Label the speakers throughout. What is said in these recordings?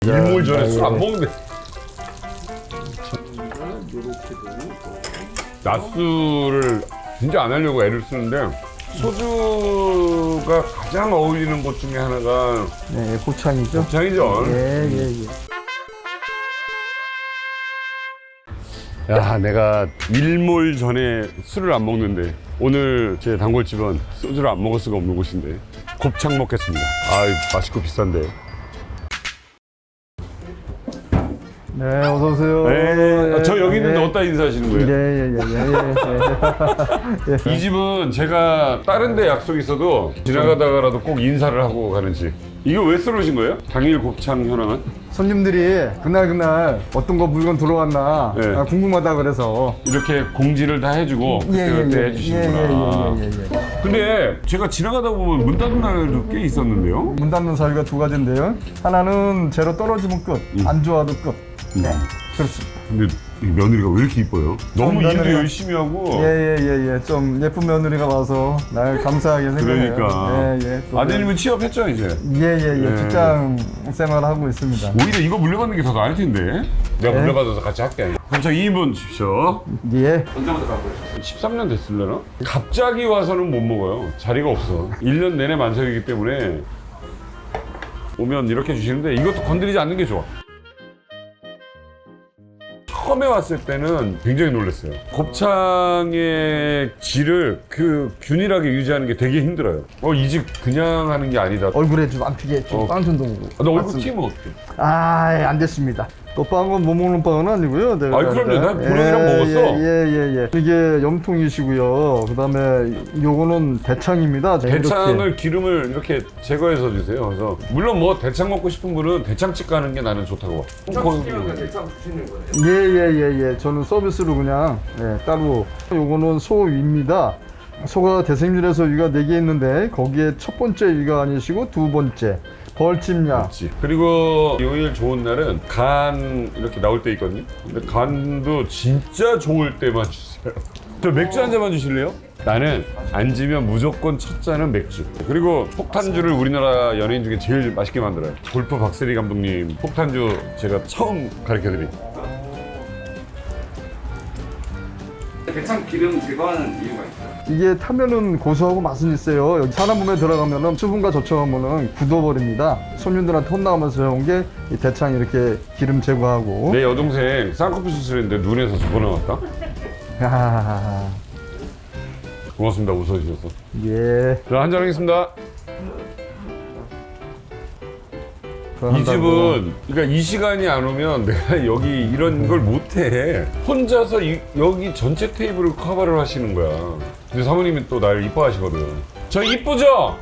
Speaker 1: 일몰 전에 술 안 먹는데. 낮술을 진짜 안 하려고 애를 쓰는데 소주가 가장 어울리는 것 중에 하나가
Speaker 2: 네, 곱창이죠.
Speaker 1: 곱창이죠.
Speaker 2: 예.
Speaker 1: 야, 내가 일몰 전에 술을 안 먹는데 오늘 제 단골집은 소주를 안 먹을 수가 없는 곳인데 곱창 먹겠습니다. 아, 맛있고 비싼데.
Speaker 2: 네, 어서 오세요.
Speaker 1: 네,
Speaker 2: 예,
Speaker 1: 저 여기 있는데
Speaker 2: 예.
Speaker 1: 어디다 인사하시는 거예요?
Speaker 2: 예.
Speaker 1: 이 집은 제가 다른 데 약속 있어도 지나가다가라도 꼭 인사를 하고 가는 집. 이거 왜 썰으신 거예요? 당일 곱창 현황은?
Speaker 2: 손님들이 그날 어떤 거 물건 들어왔나
Speaker 1: 네.
Speaker 2: 궁금하다 그래서.
Speaker 1: 이렇게 공지를 다 해주고 그때 해주시는구나.
Speaker 2: 예.
Speaker 1: 근데 제가 지나가다 보면 문 닫은 날도 꽤 있었는데요?
Speaker 2: 문 닫는 사유가 두 가지인데요. 하나는 재료 떨어지면 끝, 안 좋아도 끝. 네, 그렇습니다.
Speaker 1: 근데 이 며느리가 왜 이렇게 이뻐요? 너무 일도
Speaker 2: 며느리가-
Speaker 1: 열심히 하고.
Speaker 2: 예. 좀 예쁜 며느리가 와서 날 감사하게 생각해요.
Speaker 1: 그러니까.
Speaker 2: 예. 또
Speaker 1: 아드님은 취업했죠 이제?
Speaker 2: 예. 직장 생활하고 있습니다.
Speaker 1: 오히려 이거 물려받는 게 더 나을 텐데. 내가
Speaker 2: 네.
Speaker 1: 물려받아서 같이 할게. 그럼 저 2인분 주십시오.
Speaker 2: 예.
Speaker 1: 13년 됐을려나? 갑자기 와서는 못 먹어요. 자리가 없어. 1년 내내 만석이기 때문에 오면 이렇게 주시는데 이것도 건드리지 않는 게 좋아. 처음에 왔을 때는 굉장히 놀랐어요. 곱창의 질을 그 균일하게 유지하는 게 되게 힘들어요. 이 집 그냥 하는 게 아니다.
Speaker 2: 얼굴에 좀 안 튀게 좀 빵 좀 넣고.
Speaker 1: 너 얼굴 튀면 어떡해?
Speaker 2: 안 됐습니다. 또 빵은 못 먹는 빵은 아니고요. 내가
Speaker 1: 아이, 그럼요. 난 보령이랑 먹었어.
Speaker 2: 예. 이게 염통이시고요. 그다음에 요거는 대창입니다.
Speaker 1: 대창을 기름을 이렇게 제거해서 주세요. 그래서 물론 뭐 대창 먹고 싶은 분은 대창집 가는 게 나는 좋다고 봐.
Speaker 2: 예. 저는 서비스로 그냥 따로. 요거는 소위입니다. 소가 대생률에서 위가 4개 있는데 거기에 첫 번째 위가 아니시고 두 번째 벌집약.
Speaker 1: 그리고 요일 좋은 날은 간 이렇게 나올 때 있거든요. 근데 간도 진짜 좋을 때만 주세요. 저 맥주 한 잔만 주실래요? 나는 앉으면 무조건 첫 잔은 맥주. 그리고 폭탄주를 우리나라 연예인 중에 제일 맛있게 만들어요. 골프 박세리 감독님 폭탄주 제가 처음 가르쳐드린.
Speaker 3: 대창 기름 제거하는 이유가 있어요.
Speaker 2: 이게 타면은 고소하고 맛은 있어요. 여기 사람 몸에 들어가면은 수분과 접촉하면은 굳어버립니다. 손님들한테 혼나가면서 해온 게 이 대창 이렇게 기름 제거하고.
Speaker 1: 내 여동생 쌍꺼풀 수술했는데 눈에서 저거 나왔다?
Speaker 2: 하하하하.
Speaker 1: 고맙습니다. 웃어주셔서.
Speaker 2: 예.
Speaker 1: 자, 한잔 하겠습니다. 이 집은 그러니까 이 시간이 안 오면 내가 여기 이런 걸 못해. 혼자서 여기 전체 테이블을 커버를 하시는 거야. 근데 사모님이 또 날 이뻐하시거든. 저 이쁘죠?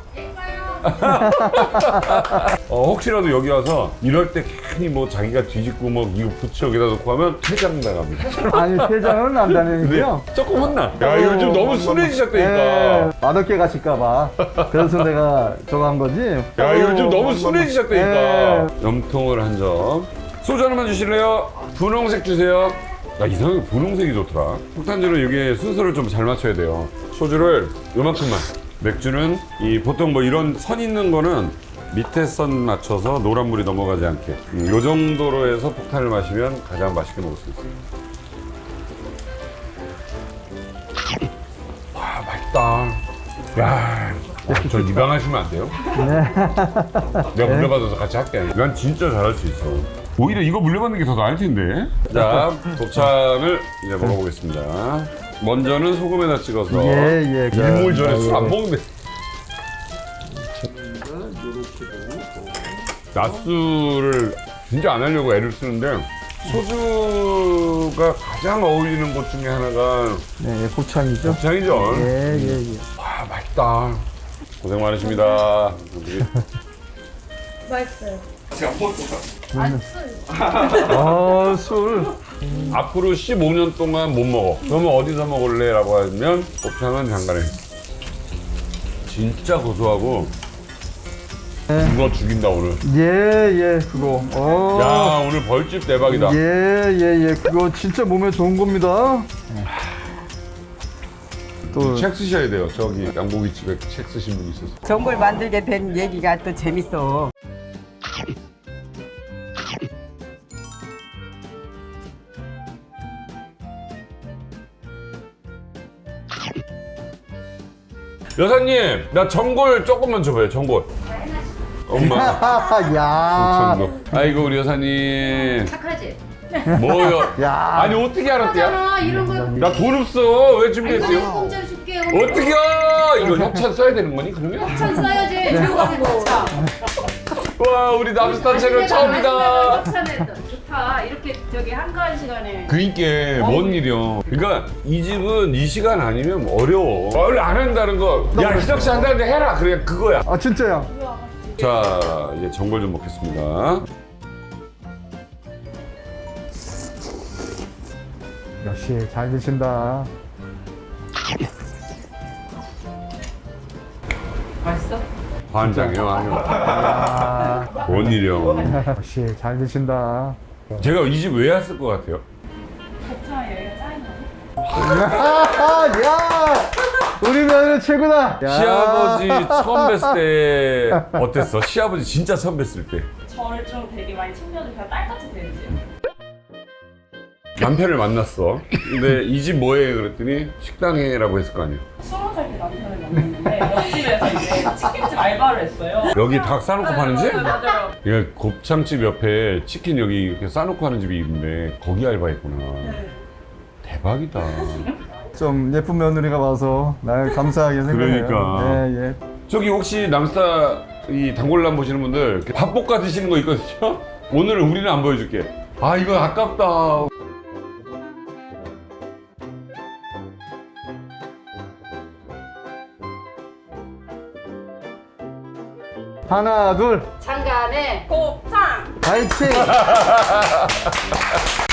Speaker 1: 혹시라도 여기 와서 이럴 때 괜히 뭐 자기가 뒤집고 뭐 이거 부츠 여기다 놓고 하면 퇴장 나갑니다.
Speaker 2: 아니 퇴장은 안 다니고요.
Speaker 1: 조금 혼나. 야, 요즘 너무 순해지셨다니까.
Speaker 2: 맛없게 가실까봐. 그래서 내가 저거 한 거지.
Speaker 1: 야, 요즘 너무 순해지셨다니까. 염통을 한 점. 소주 하나만 주실래요? 분홍색 주세요. 야, 이상하게 분홍색이 좋더라. 폭탄주는 여기에 순서를 좀 잘 맞춰야 돼요. 소주를 요만큼만. 맥주는 보통 뭐 이런 선 있는 거는 밑에 선 맞춰서 노란물이 넘어가지 않게. 요 정도로 해서 폭탄을 마시면 가장 맛있게 먹을 수 있어요. 와, 맛있다. 야, 저 입양하시면 안 돼요? 내가 물려받아서 같이 할게. 난 진짜 잘할 수 있어. 오히려 이거 물려받는 게 더 나을 텐데. 자, 곱창을 이제 먹어보겠습니다. 먼저는 소금에다 찍어서.
Speaker 2: 예.
Speaker 1: 일몰 전에 술 안 먹는데. 낮술을 진짜 안 하려고 애를 쓰는데 소주가 가장 어울리는 것 중에 하나가
Speaker 2: 네, 곱창이죠.
Speaker 1: 곱창이죠.
Speaker 2: 예.
Speaker 1: 와, 맛있다. 고생 많으십니다.
Speaker 4: 맛있어요.
Speaker 3: 제가 먹었어.
Speaker 2: 술.
Speaker 1: 앞으로 15년 동안 못 먹어. 그러면 어디서 먹을래? 라고 하면 곱창은 장가래. 진짜 고소하고 그거 죽인다 오늘.
Speaker 2: 예, 그거.
Speaker 1: 야, 오늘 벌집 대박이다.
Speaker 2: 예. 그거 진짜 몸에 좋은 겁니다. 또
Speaker 1: 책 쓰셔야 돼요. 저기 양고기 집에 책 쓰신 분 있어서.
Speaker 5: 전골 만들게 된 얘기가 또 재밌어.
Speaker 1: 여사님, 나 전골 조금만 줘봐요. 전골. 엄마.
Speaker 2: 야.
Speaker 1: 전골. 아이고 우리 여사님.
Speaker 4: 착하지?
Speaker 1: 뭐요?
Speaker 2: 야.
Speaker 1: 아니 어떻게 알았대요?
Speaker 4: 하잖아 이런 거.
Speaker 1: 나 돈 없어. 왜
Speaker 4: 이거
Speaker 1: 준비했어요?
Speaker 4: 공짜로 줄게.
Speaker 1: 어떻게요? 이거 협찬 써야 되는 거니 그러면?
Speaker 4: 천 써야지. 들고 가는 거.
Speaker 1: 와 우리 남스타 채널 처음이다.
Speaker 4: 좋다. 이렇게 저기 한가한 시간에.
Speaker 1: 그니까 뭔 일이야. 그러니까 이 집은 이 시간 아니면 어려워. 원래 안 한다는 거. 야 희석 씨 한다는데 해라. 그래 그거야.
Speaker 2: 아 진짜야.
Speaker 1: 자 이제 전골 좀 먹겠습니다.
Speaker 2: 역시 잘 드신다.
Speaker 4: 맛있어?
Speaker 1: 반장이요 아니요.
Speaker 2: 아,
Speaker 1: 뭔 일이야.
Speaker 2: 역시 잘 드신다.
Speaker 1: 제가 이 집 왜 왔을 것 같아요?
Speaker 4: 곱창 여기가 짜인
Speaker 2: 야, 우리 며느리 최고다. 야.
Speaker 1: 시아버지 처음 뵀을 때 어땠어? 시아버지 진짜 처음 뵀을 때
Speaker 5: 저를 좀 되게 많이 챙겨주셔서 딸같이 대해주세요.
Speaker 1: 남편을 만났어. 근데 이 집 뭐해? 그랬더니 식당해라고 했을 거 아니야.
Speaker 5: 20살 때 남편을 만났는데 옆집에서 이제 치킨집 알바를 했어요.
Speaker 1: 여기 닭 싸놓고 파는 집?
Speaker 5: 네, 맞아요.
Speaker 1: 이게 곱창집 옆에 치킨 여기 이렇게 싸놓고 하는 집이 있는데 거기 알바했구나.
Speaker 5: 네.
Speaker 1: 대박이다.
Speaker 2: 좀 예쁜 며느리가 와서 날 감사하게 생각해요.
Speaker 1: 그러니까.
Speaker 2: 예, 예.
Speaker 1: 저기 혹시 남스타 이 단골남 보시는 분들 이렇게 밥 볶아 드시는 거 있거든요? 오늘은 우리는 안 보여줄게. 아 이거 아깝다.
Speaker 2: 하나, 둘,
Speaker 4: 장간에
Speaker 5: 곱창!
Speaker 2: 파이팅!